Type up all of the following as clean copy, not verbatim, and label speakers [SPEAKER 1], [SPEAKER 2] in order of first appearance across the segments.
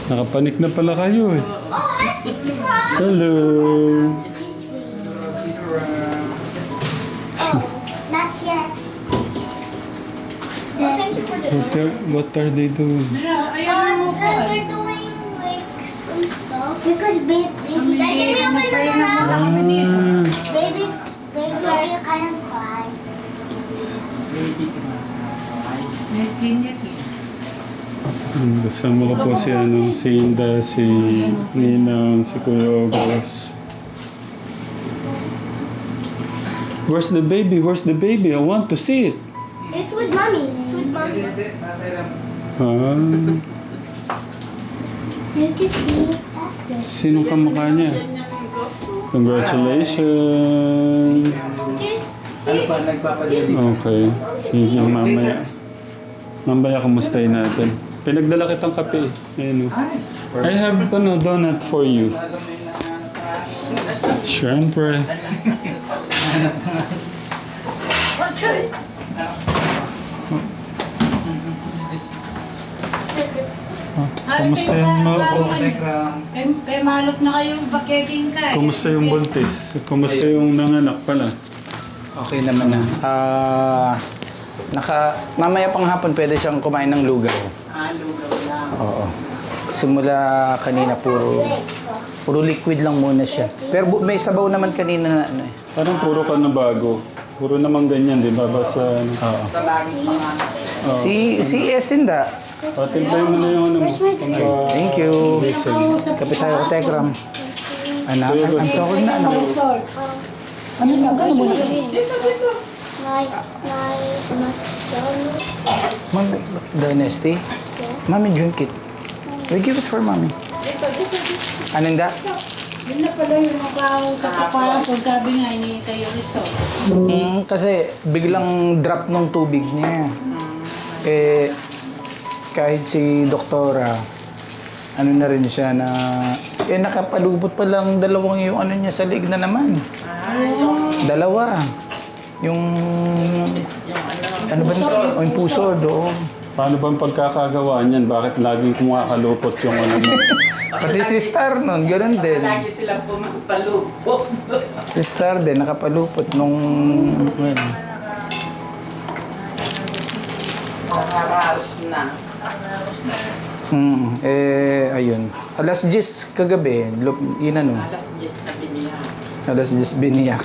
[SPEAKER 1] Nakapanik na pala kayo eh. Hello.
[SPEAKER 2] Not yet. Thank you for
[SPEAKER 1] What are they doing?
[SPEAKER 2] they're doing like some stuff. Because baby, baby,
[SPEAKER 1] Ah,
[SPEAKER 2] are you kind of cry?
[SPEAKER 1] kasama ko po si, si Inda, si Ninang, si Kuya August. Where's the baby? Where's the baby? I want to see it.
[SPEAKER 2] It's with mommy. It's with mommy.
[SPEAKER 1] Ah,
[SPEAKER 2] You can see after.
[SPEAKER 1] sinong kamukha niya? Congratulations.
[SPEAKER 3] Ano pa, nagpapalinis?
[SPEAKER 1] Okay. Sige, mamaya. Mamaya kumustahin natin. Pinagdala kitang kape. Ayan, I have donut for you. Siyempre. Kumustahin mo ako?
[SPEAKER 4] Kaya malot na kayo, bakeking ka.
[SPEAKER 1] Kumusta yung buntis? Kumusta yung nanganak pala?
[SPEAKER 3] Okay naman na. Mamaya pang hapon pwede siyang kumain ng lugaw.
[SPEAKER 4] Lugaw lang.
[SPEAKER 3] Oo. Simula kanina puro liquid lang muna siya. Pero may sabaw naman kanina na ano eh.
[SPEAKER 1] Parang puro ka na bago. Puro naman ganyan, di ba? Basta ano.
[SPEAKER 3] Oo.
[SPEAKER 4] Tabagin pa nga.
[SPEAKER 3] Si Esinda.
[SPEAKER 1] Patimplayin mo na yung ano mo.
[SPEAKER 3] Thank you. Kapit tayo ko Tekram. Anak, ang tawag na ano.
[SPEAKER 4] Salt.
[SPEAKER 3] Ano na ba mo?
[SPEAKER 2] Like McDonald's.
[SPEAKER 3] Mami, Dynasty. Mami, drink it. We give it for mommy. Anong da?
[SPEAKER 4] Yun na pala yung mukha sa kapapon. Sabi nga, hinihintay yung resort.
[SPEAKER 3] Kasi biglang drop ng tubig niya. Eh, kahit si doktora, ano na rin siya na, nakapalubot pa lang dalawang yung ano niya sa liig na naman. Dalawa. Yung, ano ba ito? Yung puso, doon.
[SPEAKER 1] Paano bang pagkakagawa niyan? Bakit laging kumakalupot yung ano mo?
[SPEAKER 3] Pati si Star nun, gano'n din.
[SPEAKER 4] Lagi silang pumapalupok.
[SPEAKER 3] Si Star din, nakapalupot nung, well,
[SPEAKER 4] Nakaraos na.
[SPEAKER 3] ayun. Alas 10 kagabi, yun ano,
[SPEAKER 4] Alas 10 na binihan.
[SPEAKER 3] alas 10 biniyak.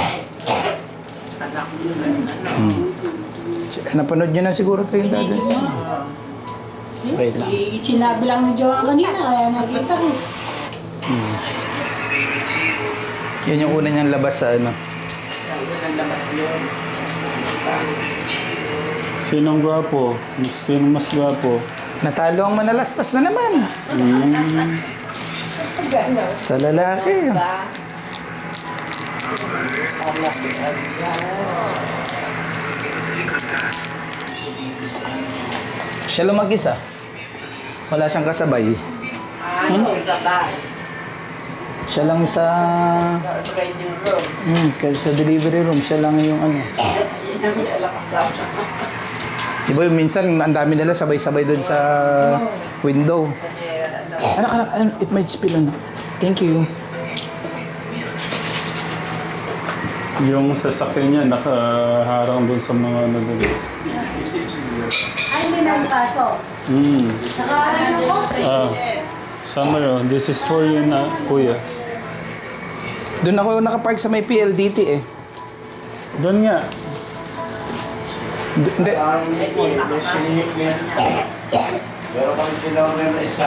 [SPEAKER 4] Anak mo yun.
[SPEAKER 3] Napanood niyo na siguro ito yung dadan siya. Wait lang.
[SPEAKER 4] Sinabi lang ni Johan kanina, kaya nakita ko.
[SPEAKER 3] Yan yung una niyang labas sa ano.
[SPEAKER 4] Kaya nalabas yun.
[SPEAKER 1] Sinong gwapo? Sinong mas gwapo?
[SPEAKER 3] Natalo ang manalastas na naman. Sa lalaki. Siya lang mag-isa. Wala siyang kasabay.
[SPEAKER 4] Sabay.
[SPEAKER 3] Siya lang sa...
[SPEAKER 4] Sa waiting room.
[SPEAKER 3] Kaya sa delivery room, siya lang yung ano.
[SPEAKER 4] Yun ang kasama.
[SPEAKER 3] Diba yung minsan, ang dami nila sabay-sabay doon sa window. Anak, it might spill on. Thank you.
[SPEAKER 1] Yung sasakyan niya nakaharang doon sa mga nagalis.
[SPEAKER 4] Ay, hindi nagpasok. Nakaharap ng kotse.
[SPEAKER 1] Summer, this is for you na, kuya.
[SPEAKER 3] Doon ako nakapark sa may PLDT eh.
[SPEAKER 1] Doon nga.
[SPEAKER 3] Hindi.
[SPEAKER 5] Meron kami tinawag na isa.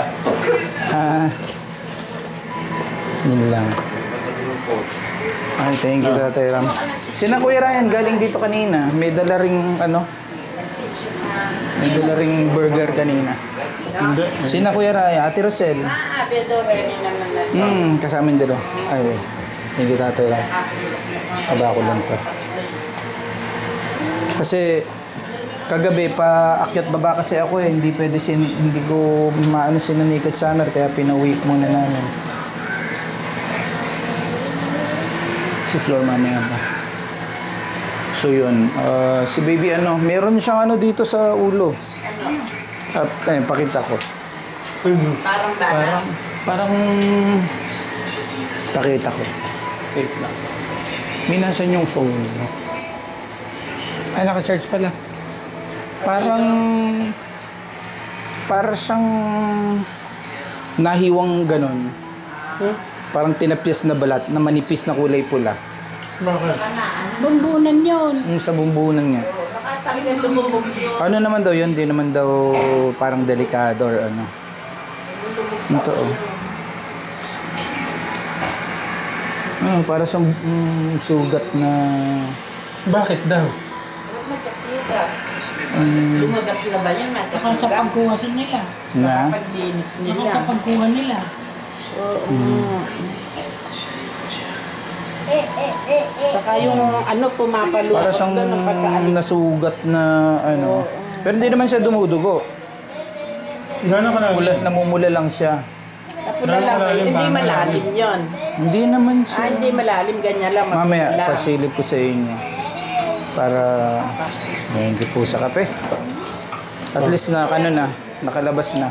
[SPEAKER 3] Yun lang. Ay, thank you, Tatay Ram. Sina Kuya Ryan, galing dito kanina. May dala ring, ano? May dala ring burger kanina.
[SPEAKER 1] Hindi.
[SPEAKER 3] Sina Kuya Ryan, Ate Rosel.
[SPEAKER 4] Pero Remy naman na.
[SPEAKER 3] Kasama yung dalawa. Ay, thank you, Tatay Ram. Aba ko lang to. Kasi, kagabi, paakyat baba kasi ako eh. Hindi pwede, hindi ko maano sinanikat summer, kaya pinauwi muna namin. Si Flor mamaya pa. So yun, si baby ano, meron siyang ano dito sa ulo. Pakita ko.
[SPEAKER 6] Parang bata.
[SPEAKER 3] Parang pakita ko. Wait lang. May nasan yung phone mo? Ay, naka-charge pala. Para siyang nahiwang ganon. Parang tinapyas na balat na manipis na kulay pula.
[SPEAKER 1] Bakit?
[SPEAKER 4] Bumbunan yun.
[SPEAKER 3] Yung sa bumbunan niya.
[SPEAKER 6] Baka talagang lumubog yun.
[SPEAKER 3] Ano naman daw yun? Di naman daw parang delikado or ano. Ito oh. Para sa sugat na...
[SPEAKER 1] Bakit daw?
[SPEAKER 6] Huwag magkasugat. Lumagas na ba yun?
[SPEAKER 4] Saka sa
[SPEAKER 6] Magkasugat.
[SPEAKER 4] pagkuha nila.
[SPEAKER 3] Na?
[SPEAKER 6] Paglinis
[SPEAKER 4] Saka
[SPEAKER 6] nila.
[SPEAKER 4] sa pagkuha nila.
[SPEAKER 6] Saka yung ano pumapalo.
[SPEAKER 3] Para siyang
[SPEAKER 6] doon ng pagkaalis.
[SPEAKER 3] nasugat na ano. Pero hindi naman siya dumudugo.
[SPEAKER 1] Gano'n ka lang?
[SPEAKER 3] Namumula lang siya.
[SPEAKER 6] Napula lang ba yun? Hindi malalim yun.
[SPEAKER 3] Hindi naman siya.
[SPEAKER 6] Hindi malalim. Ganyan lang.
[SPEAKER 3] Mamaya,
[SPEAKER 6] magpula.
[SPEAKER 3] pasilip ko sa inyo. Para hindi po sa kape. At least na, ano na, nakalabas na.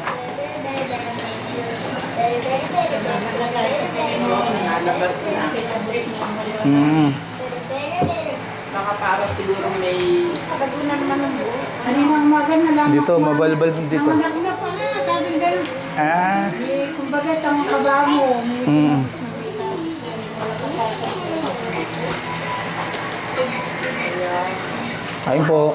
[SPEAKER 6] Nalabas na. Baka parang siguro may... Pagkuna naman ng buo.
[SPEAKER 4] Kanina umaga na lang.
[SPEAKER 3] Dito, mabalbal dito.
[SPEAKER 4] Nanganak na pala. Sabi ganun.
[SPEAKER 3] Ah.
[SPEAKER 4] Kumbaga, tang kaba mo.
[SPEAKER 3] Ayun po.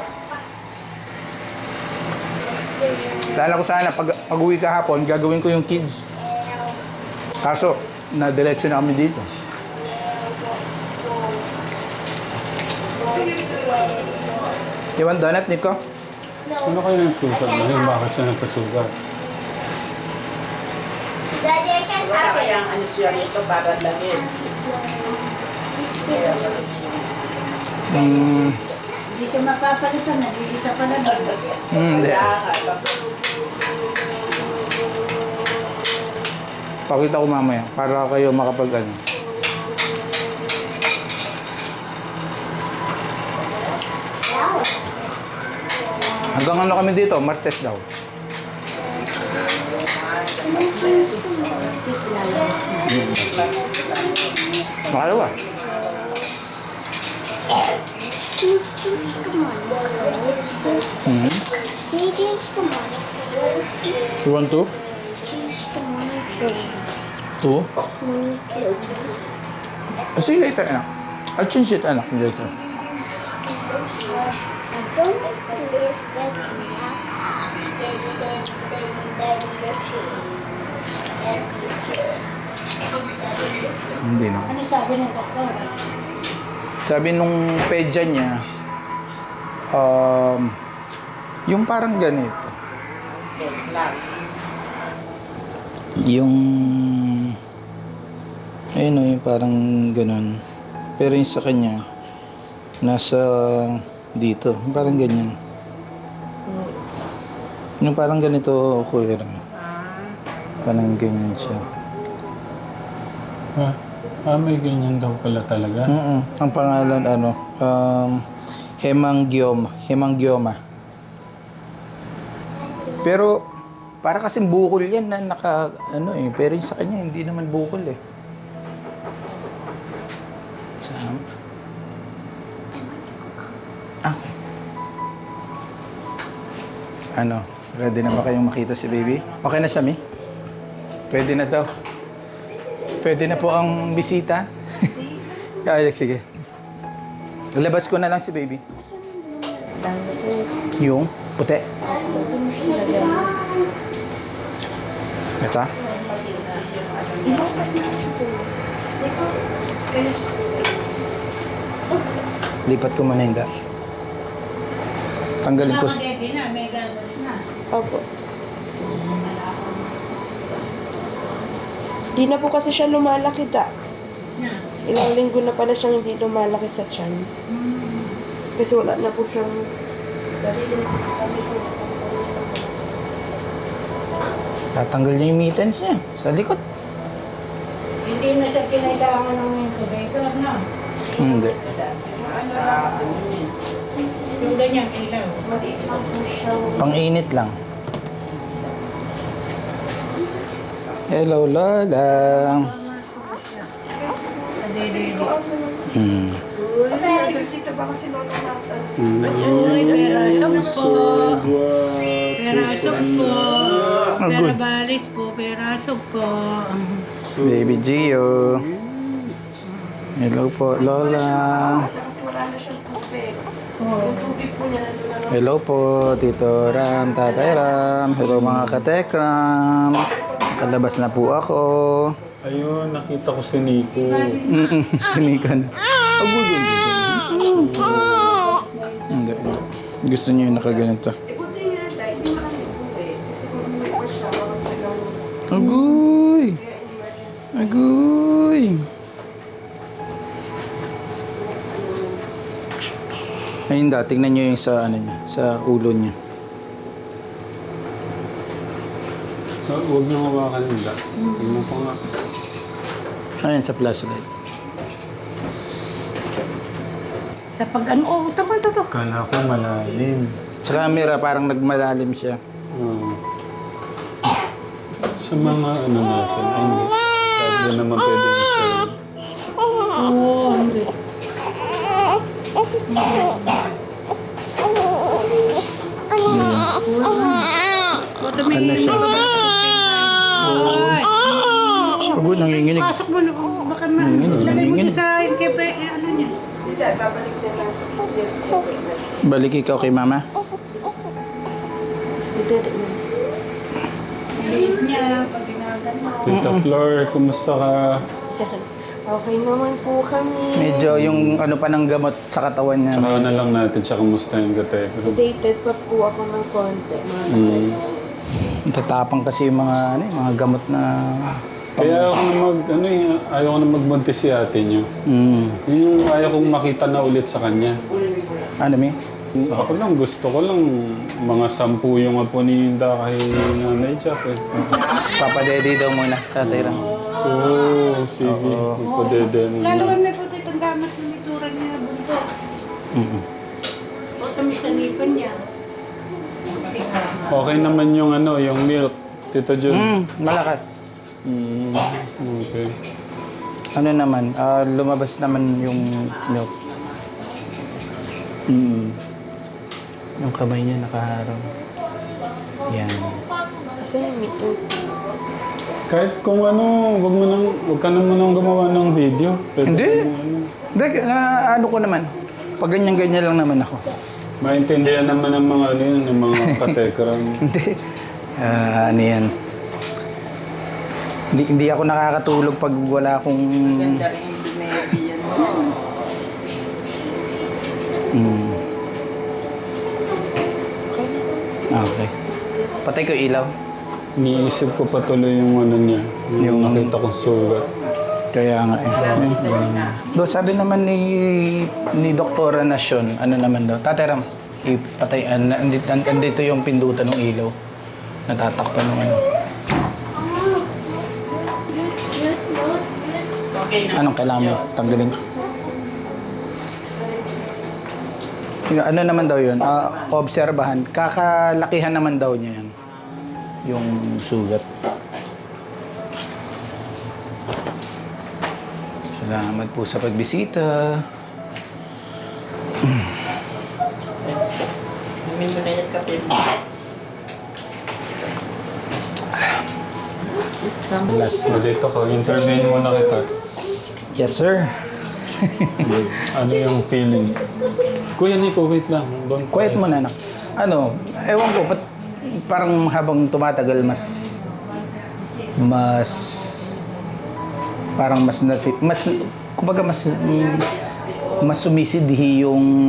[SPEAKER 3] Lala ko sana, pag uwi kahapon, gagawin ko yung kids. Kaso, na-diretso na kami dito. You want donut, Nico?
[SPEAKER 1] Ano kayo ng sugat ngayon? Bakit siya nagkasugat?
[SPEAKER 2] Daddy, I can
[SPEAKER 6] Wala
[SPEAKER 2] have it.
[SPEAKER 6] kayang ano siya rito para lagin.
[SPEAKER 4] Hindi siya mapapalitan. Nag-iisa pala doon.
[SPEAKER 3] Hindi.
[SPEAKER 6] Kaya
[SPEAKER 3] Pakita ko mamaya para kayo makapag ano. Hanggang ano kami dito? Martes daw. Makalawa.
[SPEAKER 2] Can you change the money?
[SPEAKER 3] Mm-hmm.
[SPEAKER 2] Can you change the money?
[SPEAKER 3] You want to?
[SPEAKER 2] Change the money clothes.
[SPEAKER 3] Two?
[SPEAKER 2] Money clothes.
[SPEAKER 3] See you later, anak. I'll change it, anak, later.
[SPEAKER 2] I don't believe that
[SPEAKER 3] Hindi no.
[SPEAKER 4] Ano sabi ng doktor?
[SPEAKER 3] Sabi nung pedya niya, yung parang ganito. Yung, ayun o, yung parang ganun. Pero yung sa kanya, nasa dito, parang ganyan. Yung parang ganito, kuya. Parang ganyan siya.
[SPEAKER 1] May ganyan daw pala talaga.
[SPEAKER 3] Ang pangalan, hemangioma. Pero, para kasing bukol yan na pero yung sa kanya, hindi naman bukol eh. Ready na ba kayong makita si baby? Okay na siya, Mi? Pwede na daw. Pwede na po ang bisita. Ay, sige. Labas ko na lang si baby. Yung puti. Ito. Lipat ko muna yung tanggalin ko.
[SPEAKER 4] Ready na, may gagas na.
[SPEAKER 7] Opo. Di na po kasi siya lumalaki ta. Ilang linggo na pala siyang hindi lumalaki sa tiyan. Kasi wala na po siyang...
[SPEAKER 3] Tatanggal niya yung mittens niya sa likod.
[SPEAKER 4] Hindi na siya kinailangan ng incubator, no?
[SPEAKER 3] Hindi.
[SPEAKER 4] Yung ganyan, ilaw.
[SPEAKER 3] Pang-init lang. Hello, Lola. Hmm.
[SPEAKER 7] Kasi dito ba kasi Lola Marta?
[SPEAKER 4] Uy, perasok po. Perasok po. Pera balis po. Perasok po.
[SPEAKER 3] Baby Gio. Hello po, Lola.
[SPEAKER 7] Kasi wala na siyang tubig. Yung tubig po niya nandun na lang.
[SPEAKER 3] Hello po, Tito Ram, Tatay Ram. Hello mga katekram. Kalabas na po ako.
[SPEAKER 1] Ayun, nakita ko si Nico.
[SPEAKER 3] Sinikan. Hindi. Gusto niyo yung nakaganito.
[SPEAKER 7] Buti nga dahil hindi marami tubig. Kasi kung umuwi pa siya, baka talagang
[SPEAKER 3] Agoy! Agoy! Ayun da, tingnan niyo yung sa ano niya, sa ulo niya.
[SPEAKER 1] Huwag niyo hawakan nila. Tingnan ko nga.
[SPEAKER 3] Ayun sa flashlight.
[SPEAKER 4] Sa pag-ano, oh, tama.
[SPEAKER 1] Kala ko malalim.
[SPEAKER 3] Sa camera parang nagmalalim siya.
[SPEAKER 1] Sa mga ano natin, ay hindi. Sabi naman pwede i-share.
[SPEAKER 4] Oo, hindi.
[SPEAKER 3] Ano siya? Agoy, nanginginig.
[SPEAKER 4] Pasok mo na. Baka lagay mo din sa ano niya.
[SPEAKER 7] hindi dahil babalik din lang.
[SPEAKER 3] Balik ikaw kay mama.
[SPEAKER 7] Hindi din.
[SPEAKER 4] Liit niya. Pag ginagano.
[SPEAKER 1] Tita Flor, kumusta ka?
[SPEAKER 7] Okay naman po kami.
[SPEAKER 3] Medyo yung ano pa ng gamot sa katawan niya.
[SPEAKER 1] Tsaka na lang natin siya kumusta yung gate.
[SPEAKER 7] Dated pa po ako ng konti. Mga
[SPEAKER 3] Tatapang kasi yung mga ano, yung mga gamot na
[SPEAKER 1] Kaya ako na ayaw ko na magbuntis si ate niyo. Yung ayaw kong makita na ulit sa kanya.
[SPEAKER 3] Ano mi?
[SPEAKER 1] Ako lang, gusto ko lang mga 10 yung apo ni Inda kay Nanay Jack eh.
[SPEAKER 3] Papadede daw muna, Tatay Ram.
[SPEAKER 1] Oo, sige. Magpadede mo
[SPEAKER 4] Lalo
[SPEAKER 1] na.
[SPEAKER 4] na po itong gamit ng ituran niya. Bunto. O tamis sa lipan niya.
[SPEAKER 1] Okay naman yung ano, yung milk, Tito Jun.
[SPEAKER 3] Malakas.
[SPEAKER 1] Okay.
[SPEAKER 3] Ano naman, lumabas naman yung milk. Yung kamay niya nakaharang. Yan.
[SPEAKER 7] Kasi yung meeting.
[SPEAKER 1] Kahit kung ano, wag ka naman nang gumawa ng video. Pwede
[SPEAKER 3] Hindi.
[SPEAKER 1] kung ano.
[SPEAKER 3] Hindi, ano ko naman. Pag ganyan-ganyan lang naman ako.
[SPEAKER 1] Maintindihan naman ng mga ano yun, ng mga katekram.
[SPEAKER 3] Hindi. Ano yan. Hindi ako nakakatulog pag wala akong...
[SPEAKER 6] Ganda rin yung dumedi yan mo.
[SPEAKER 3] Okay. Patay ko ilaw.
[SPEAKER 1] Iniisip ko pa tuloy yung ano niya, yung nakita kong sugat.
[SPEAKER 3] Kaya nga eh. Do, sabi naman ni Doktora Nasyon, ano naman daw, Tatay Ram, ipatay, andito yung pindutan ng ilaw. Natatakpan ng ano.
[SPEAKER 6] Okay na.
[SPEAKER 3] Anong kailangan mo? Tanggalin ko. Ano naman daw yun? Obserbahan. Kakalakihan naman daw niya yan. Yung sugat. Salamat po sa pagbisita.
[SPEAKER 6] Inumin mo na yung kape mo.
[SPEAKER 3] Last.
[SPEAKER 1] Dito ko, intervene muna kita.
[SPEAKER 3] Yes, sir.
[SPEAKER 1] Ano yung feeling? Kuya Nico, wait lang. Don't
[SPEAKER 3] Quiet mo na, anak. Ano, ewan ko, parang habang tumatagal, parang kumbaga mas sumisidhi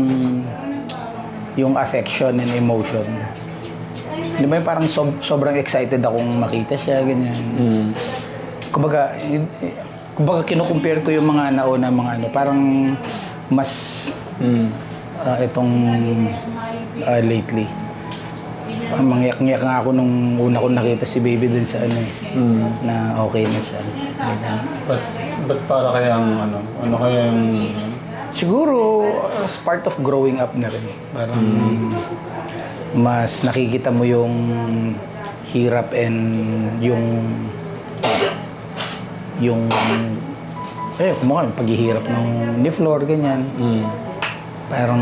[SPEAKER 3] yung affection and emotion. Di ba yung parang sobrang excited akong makita siya, ganyan. Kumbaga kinukumpare ko yung mga nauna mga ano, parang mas itong lately. Mangyak-ngyak nga ako nung una ko nakita si baby dun sa ano eh, na okay na siya.
[SPEAKER 1] Ba't para kaya ang ano? Ano kaya yung...
[SPEAKER 3] Siguro, as part of growing up na rin. Parang mas nakikita mo yung hirap and yung yung kumukha yung paghihirap ni Flor, ganyan. Parang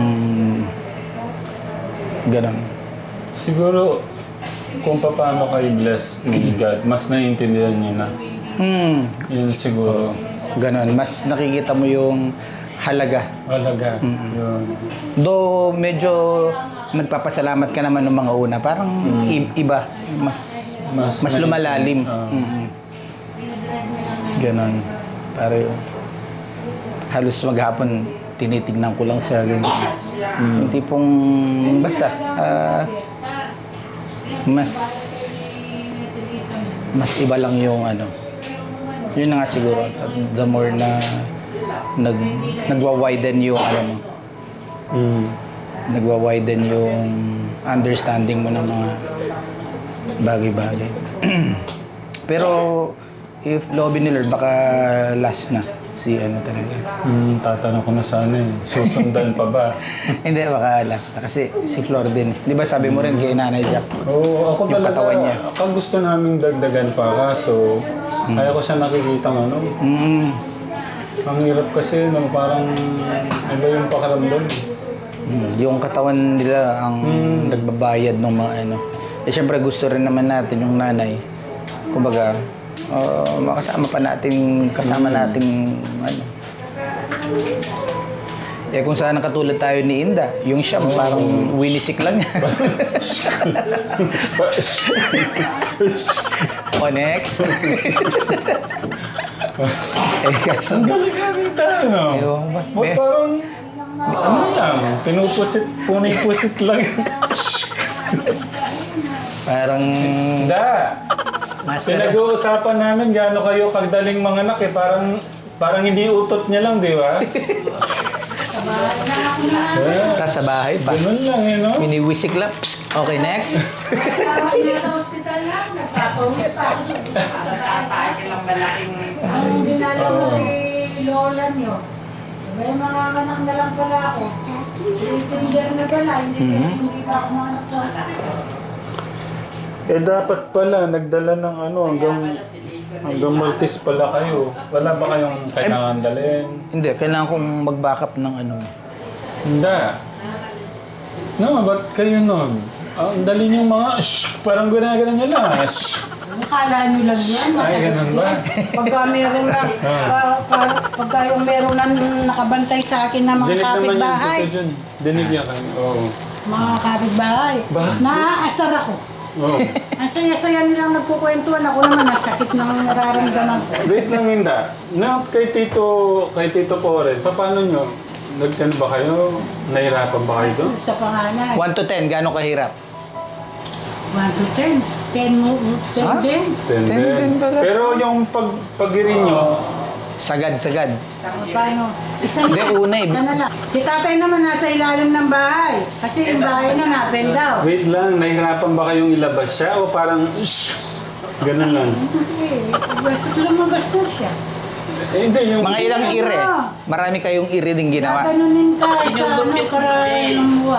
[SPEAKER 3] ganon.
[SPEAKER 1] Siguro, kung paano kayo blessed ni God, mas naiintindihan niyo na. Yun siguro.
[SPEAKER 3] Ganon. Mas nakikita mo yung halaga.
[SPEAKER 1] Halaga. Yun.
[SPEAKER 3] Though medyo nagpapasalamat ka naman ng mga una, parang iba, mas lumalalim. Ganon. Parang halos maghapon tinitignan ko lang siya ganyan. Yung tipong basta mas iba lang yung ano. Yun na nga siguro. The more na nagwa-widen yung ano mo. Nagwa-widen yung understanding mo ng mga bagay-bagay. Pero if lobby ni Lord, baka last na si ano talaga.
[SPEAKER 1] Tatanong ko na sana eh. Susundan pa ba?
[SPEAKER 3] Hindi, baka last na. Kasi si Flor din. Di ba sabi mo rin kay Nanay Jack?
[SPEAKER 1] Oo, ako
[SPEAKER 3] Yung
[SPEAKER 1] talaga.
[SPEAKER 3] katawan niya.
[SPEAKER 1] Ako gusto naming dagdagan pa kaso kaya ko siya nakikita ano. Ang hirap kasi no, parang iba yung pakaramdam.
[SPEAKER 3] Yung katawan nila ang nagbabayad ng mga ano. Eh syempre gusto rin naman natin yung nanay. Kumbaga, makasama pa natin, kasama nating ano. Eh kung sana katulad tayo ni Inda, yung siya parang winisik lang niya. O next. Kasi
[SPEAKER 1] Ang galing-galing tayo.
[SPEAKER 3] Ewan ko ba?
[SPEAKER 1] Ba't parang ano lang, punay-pusit lang.
[SPEAKER 3] parang
[SPEAKER 1] Da!
[SPEAKER 3] master.
[SPEAKER 1] Pinag-uusapan namin gaano kayo kagdaling manganak eh. Parang hindi utot niya lang, di ba?
[SPEAKER 3] Tapos sa bahay pa.
[SPEAKER 1] Ganun lang eh, no?
[SPEAKER 3] Miniwisik lang. Psst. Okay, next.
[SPEAKER 4] Sa hospital lang, nagpapauwi pa.
[SPEAKER 6] Tatay ka lang malaking...
[SPEAKER 4] Ang dinala mo si Lola niyo. May mga anak na lang pala ako. Tender na pala, hindi pa ako mga anak sa hospital.
[SPEAKER 1] Eh dapat pala, nagdala ng ano, hanggang Maltese pala kayo. Wala ba kayong kailangan dalhin?
[SPEAKER 3] Hindi, kailangan kong mag-backup ng ano.
[SPEAKER 1] Hindi. No, ba't kayo nun? Ang dali niyong mga, parang gano'n nyo lang.
[SPEAKER 4] Akala nyo lang yan.
[SPEAKER 1] Ay, ganun ba?
[SPEAKER 4] Pagka meron na, pagka yung meron na nakabantay sa akin na mga
[SPEAKER 1] Dinig naman yung
[SPEAKER 4] kapitbahay,
[SPEAKER 1] tito dyan. Dinig yan kayo. Oo.
[SPEAKER 4] mga kapitbahay,
[SPEAKER 1] Bakit?
[SPEAKER 4] naaasar ako.
[SPEAKER 1] Oo.
[SPEAKER 4] Ang saya-saya nilang nagkukwentuhan. Ako naman, nasakit ng nararamdaman ko.
[SPEAKER 1] Wait lang, Inda. Na, kay Tito Poren, paano nyo? Nagkano ba kayo? Nahirapan ba kayo doon?
[SPEAKER 4] Sa panganay.
[SPEAKER 3] 1 to 10, gaano kahirap?
[SPEAKER 4] 1 to 10. 10 mo, 10
[SPEAKER 3] Ha?
[SPEAKER 4] din.
[SPEAKER 1] Ten
[SPEAKER 3] pala.
[SPEAKER 1] Pero yung pag-irin nyo,
[SPEAKER 3] Sagad.
[SPEAKER 4] Paano? Isa
[SPEAKER 3] Hindi,
[SPEAKER 4] na.
[SPEAKER 3] una eh.
[SPEAKER 4] Isa na lang. Si tatay naman nasa ilalim ng bahay. Kasi yung bahay na na-bend down.
[SPEAKER 1] wait lang, nahirapan ba kayong ilabas siya o parang ganun lang?
[SPEAKER 4] Hindi. Basta lumabas na siya.
[SPEAKER 1] Eh, hindi, yung...
[SPEAKER 3] Mga ilang ire. Marami kayong ire din ginawa.
[SPEAKER 4] Gaganunin ka sa karaan ng buwa.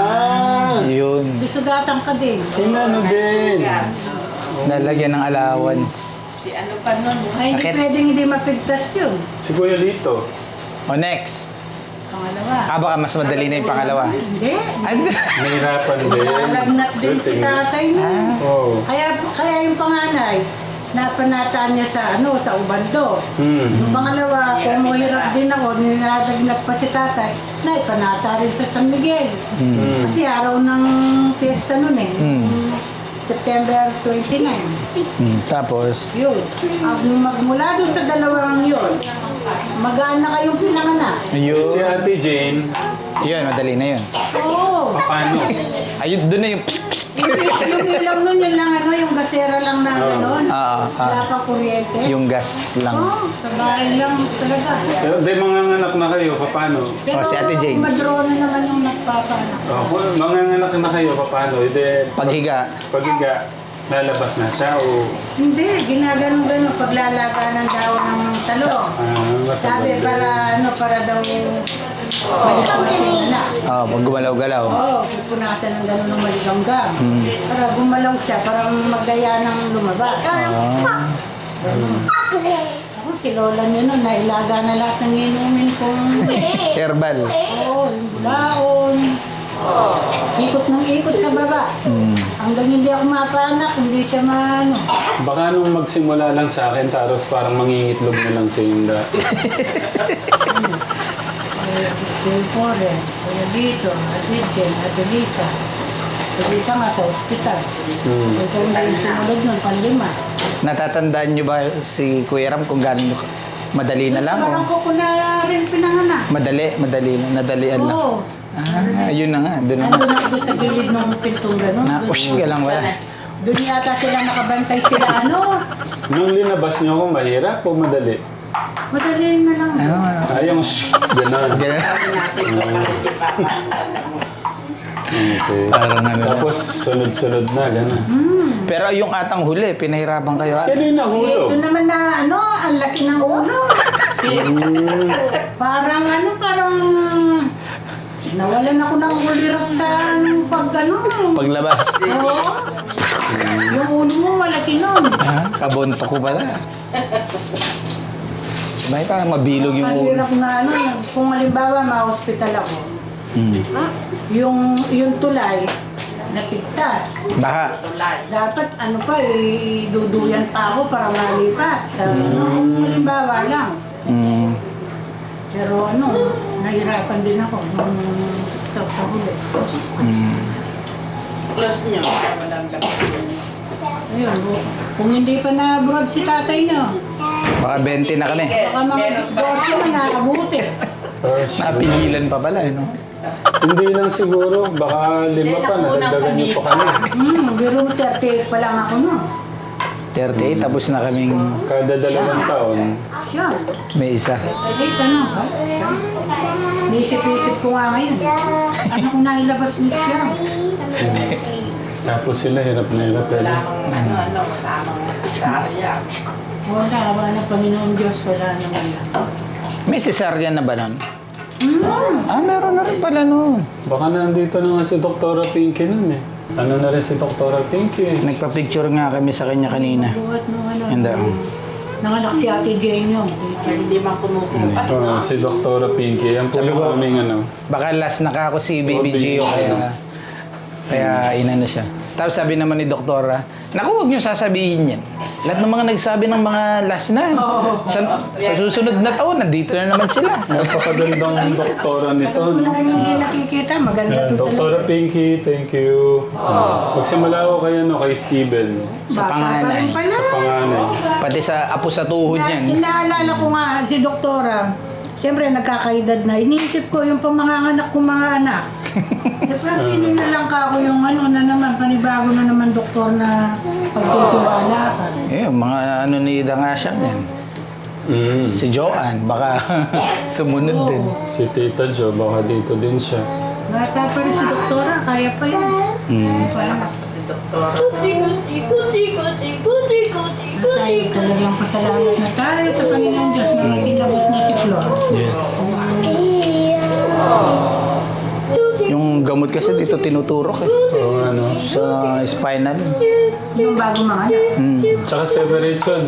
[SPEAKER 3] Yun.
[SPEAKER 4] Isugatan ka din.
[SPEAKER 1] Inano din.
[SPEAKER 3] Nalagyan ng allowance.
[SPEAKER 6] Si ano pa nun?
[SPEAKER 4] Ay, hindi
[SPEAKER 3] Sakit.
[SPEAKER 4] pwedeng hindi mapigtas yun.
[SPEAKER 1] Si Kuya Lito.
[SPEAKER 3] O next.
[SPEAKER 4] Pangalawa.
[SPEAKER 3] Baka mas madali na yung pangalawa.
[SPEAKER 4] Hindi.
[SPEAKER 1] Nahirapan din.
[SPEAKER 4] Nalagnat din si tatay mo.
[SPEAKER 1] Oo.
[SPEAKER 4] Kaya yung panganay, napanataan niya sa ubando. Yung pangalawa, kung mahirap din ako, nilalagnat pa si tatay, naipanata rin sa San Miguel. Kasi araw ng fiesta nun eh. September 29.
[SPEAKER 3] Tapos,
[SPEAKER 4] Yun. Magmula doon sa dalawang yun, magaan na kayong pinanganak.
[SPEAKER 1] Si
[SPEAKER 3] yun.
[SPEAKER 1] Ate Jane,
[SPEAKER 3] Yun, madali na yun.
[SPEAKER 4] Oo.
[SPEAKER 1] paano?
[SPEAKER 3] Ayun, doon na yung pss, pss.
[SPEAKER 4] Yung ilaw nun, yun lang yung gasera lang na gano'n. Wala pang kuryente.
[SPEAKER 3] Yung gas lang.
[SPEAKER 4] Oo, sa bahay lang talaga.
[SPEAKER 1] Pero di mga anak na kayo, paano?
[SPEAKER 4] Pero
[SPEAKER 3] si Ate Jane.
[SPEAKER 4] madrona naman yung nagpapanak.
[SPEAKER 1] Mga anak na kayo, paano? Hindi,
[SPEAKER 3] Paghiga.
[SPEAKER 1] paghiga, lalabas na siya o...
[SPEAKER 4] Hindi, ginaganon-ganon paglalaga ng daon ng talong. Sabi para daw maligaw na.
[SPEAKER 3] Pag gumalaw-galaw.
[SPEAKER 4] Oo, pupunasan ng gano'n ng maligamgam. Para gumalaw siya, parang magdaya ng lumabas. Ganun. Ako, Si Lola niya nun, nailaga na lahat ng inumin kong
[SPEAKER 3] Herbal.
[SPEAKER 4] oo, yung bulaon. Ikot ng ikot sa baba. Hanggang hindi ako mapanak, hindi siya maano.
[SPEAKER 1] Baka nung magsimula lang sa akin, tapos parang mangingitlog na lang si Inda.
[SPEAKER 4] Pore, kaya dito, Adrian, Adelisa. Adelisa nga sa ospital. Ito yung sinulog nun, panlima.
[SPEAKER 3] Natatandaan nyo ba si Kuya Ram kung gaano madali na lang?
[SPEAKER 4] Parang
[SPEAKER 3] O?
[SPEAKER 4] ko na rin pinanganak.
[SPEAKER 3] Madali lang, nadalian lang.
[SPEAKER 4] Oo.
[SPEAKER 3] Ayun na nga, doon na nga.
[SPEAKER 4] Nandun ako doon sa gilid ng pintong gano'n.
[SPEAKER 3] Napush ka lang wala.
[SPEAKER 4] Doon yata sila nakabantay sila, ano?
[SPEAKER 1] Nung linabas niyo ako, mahirap o madali?
[SPEAKER 4] Madali na lang.
[SPEAKER 1] Yung gano'n.
[SPEAKER 3] Ganun.
[SPEAKER 6] Sabi natin ito, bakit di pa
[SPEAKER 1] Okay.
[SPEAKER 3] Parang ano.
[SPEAKER 1] Tapos sunod-sunod na, gano'n.
[SPEAKER 3] Pero yung atang huli, pinahirapan kayo.
[SPEAKER 1] Sino yung nahulog?
[SPEAKER 4] Ito naman na, ano, ang laki ng ulo. Parang, parang... Nawalan ako ng ulirat sa pag,
[SPEAKER 3] Paglabas.
[SPEAKER 4] Oo. Yung ulo mo, malaki nun.
[SPEAKER 3] Kabunto ko pala. May parang mabilog yung ulo.
[SPEAKER 4] Mahirap na, kung halimbawa, ma-hospital ako. Yung tulay, napigtas.
[SPEAKER 3] Baha.
[SPEAKER 4] Dapat iduduyan pa ako para malipat. Sa halimbawa lang. Pero nahirapan din ako nung sa huli.
[SPEAKER 6] close nyo. Walang lakas.
[SPEAKER 4] Ayun, kung hindi pa na-abroad si tatay nyo,
[SPEAKER 3] Baka 20 na kami.
[SPEAKER 4] baka mga 12 na nakabuti.
[SPEAKER 3] Napigilan pa pala, no?
[SPEAKER 1] Hindi lang siguro, baka 5 pa, nadagdagan niyo pa kami.
[SPEAKER 4] Biro 38 pa lang ako no.
[SPEAKER 3] 38, tapos na kaming
[SPEAKER 1] Kada 2 taon.
[SPEAKER 4] Siya.
[SPEAKER 3] may isa.
[SPEAKER 4] 38 ano? Nisip-isip ko nga ngayon. Ano kung nailabas niyo siya?
[SPEAKER 1] Tapos sila hirap na hirap.
[SPEAKER 6] Wala akong wala akong masasarya.
[SPEAKER 4] Wala Panginoon Diyos, wala naman lang.
[SPEAKER 3] May cesarean na ba nun? Meron na rin pala nun.
[SPEAKER 1] Baka nandito na nga si Dr. Pinky nun eh. Ano na rin si Dr. Pinky?
[SPEAKER 3] Nagpa-picture nga kami sa kanya kanina.
[SPEAKER 4] Buhat nung
[SPEAKER 3] Hindi.
[SPEAKER 4] nanganak si Ate Jane yun.
[SPEAKER 6] Ay, hindi man kumukupas, no?
[SPEAKER 1] Si Dr. Pinky. Yan po
[SPEAKER 3] Sabi
[SPEAKER 1] yung
[SPEAKER 3] ko,
[SPEAKER 1] aming ano.
[SPEAKER 3] Baka last na ka ako si Baby Gio, kaya inano siya. Tapos sabi naman ni Doktora, naku, huwag niyo sasabihin yan. Lahat ng mga nagsabi ng mga last na. Sa susunod na taon, nandito na naman sila.
[SPEAKER 1] Napakagandang doktora nito.
[SPEAKER 4] Kung hindi nakikita, maganda to talaga.
[SPEAKER 1] Dr. Pinky, thank you. Magsimula ko kay Steven.
[SPEAKER 3] Sa
[SPEAKER 4] Bata pa
[SPEAKER 3] panganay.
[SPEAKER 4] rin pala.
[SPEAKER 1] Sa panganay.
[SPEAKER 3] Pati sa apo sa tuhod niyan.
[SPEAKER 4] Inaalala ko nga si Doktora. Siyempre, nagkakaedad na. Iniisip ko yung pamanganganak kong mga anak. Siyempre, hindi na lang ka ako yung na naman, panibago na naman doktor na pagtitiwala ka.
[SPEAKER 3] Mga ano ni Dangasya yan. Si Joanne, baka sumunod din.
[SPEAKER 1] Si Tita Jo, baka dito din siya.
[SPEAKER 4] Bata pa rin si Doktora, kaya pa yan.
[SPEAKER 6] Malakas pa si Doktor.
[SPEAKER 4] Tayo talagang pasalamat na tayo sa Panginoon Diyos na nakinabos na si Flor.
[SPEAKER 3] Yes. Yung gamot kasi dito tinuturok eh.
[SPEAKER 1] Oo, ano.
[SPEAKER 3] Sa spinal.
[SPEAKER 4] Yung bagong mga anak.
[SPEAKER 1] Tsaka separation.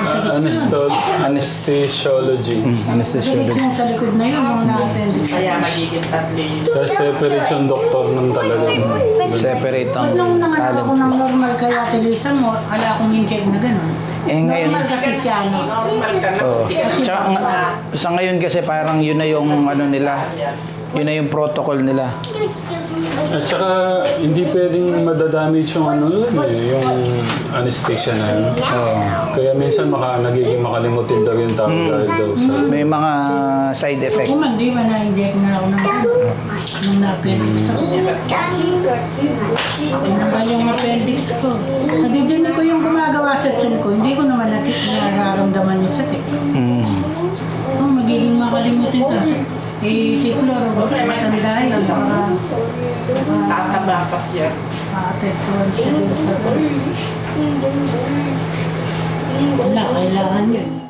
[SPEAKER 1] Anesthesiology.
[SPEAKER 3] Anesthesiologist.
[SPEAKER 4] Galit yung sa likod na yun, yung na-appendix.
[SPEAKER 6] Kaya magiging tatlo yun.
[SPEAKER 1] Kaya separate yung doktor nun talaga.
[SPEAKER 3] Separate ang
[SPEAKER 4] Nung nanganak
[SPEAKER 3] talent.
[SPEAKER 4] ako ng normal kaya tilisan mo, ala akong inject na gano'n.
[SPEAKER 3] Eh ngayon,
[SPEAKER 4] Normal kasi siya, no?
[SPEAKER 6] Normal ka na.
[SPEAKER 3] oh.
[SPEAKER 6] Kasi
[SPEAKER 3] Tsaka, sa ngayon kasi parang yun na yung ano nila, yun na yung protocol nila.
[SPEAKER 1] At saka, hindi pwedeng madadamage yung ano nun eh, yung anesthesia na yun. Kaya minsan nagiging makalimutin daw yung tao dahil daw sa...
[SPEAKER 3] May mga side effect.
[SPEAKER 4] Kung man, di ba na-inject na ako ng nung na-appendix ako. Naman yung appendix ko. Nadidinig ko yung gumagawa sa tiyan ko. Hindi ko naman nararamdaman yung sakit. Magiging makalimutin ka. Si Flor, matanda yun.
[SPEAKER 6] tataba pa siya.
[SPEAKER 4] Apektuhan siya dun sa... Wala, kailangan yun.